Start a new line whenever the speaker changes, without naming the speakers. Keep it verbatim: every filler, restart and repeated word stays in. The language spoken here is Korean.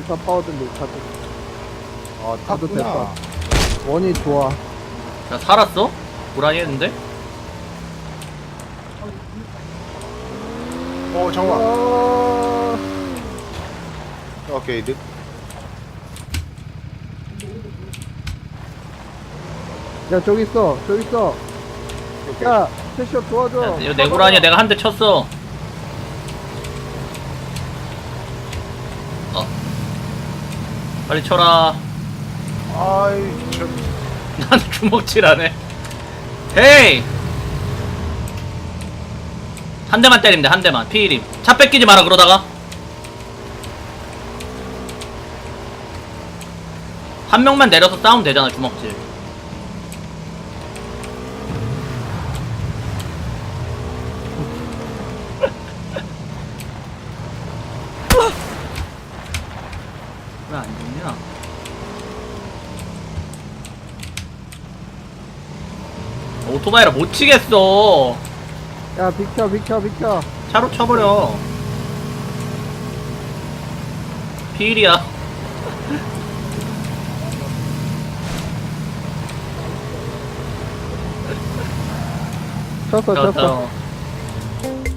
사 파워들리 카드.
아,
카드
탔구나.
됐다. 원이 좋아.
야 살았어? 고라니 했는데?
어, 잠깐만.
아,
오케이, 늦.
야 저기 있어, 저기 있어.
오케이.
야 캐셔 도와줘.
야, 이거 내 고라니야. 내가 한 대 쳤어. 어 빨리 쳐라.
아이, 저.
난 주먹질하네. 헤이 한 대만 때리면 돼. 한 대만. 피일임. 차 뺏기지 마라 그러다가. 한 명만 내려서 싸우면 되잖아. 주먹질. 왜 안 죽냐? 오토바이라 못 치겠어.
야 비켜, 비켜, 비켜.
차로 쳐버려. 피일이야.
쳤어, 쳤어.
쳤어.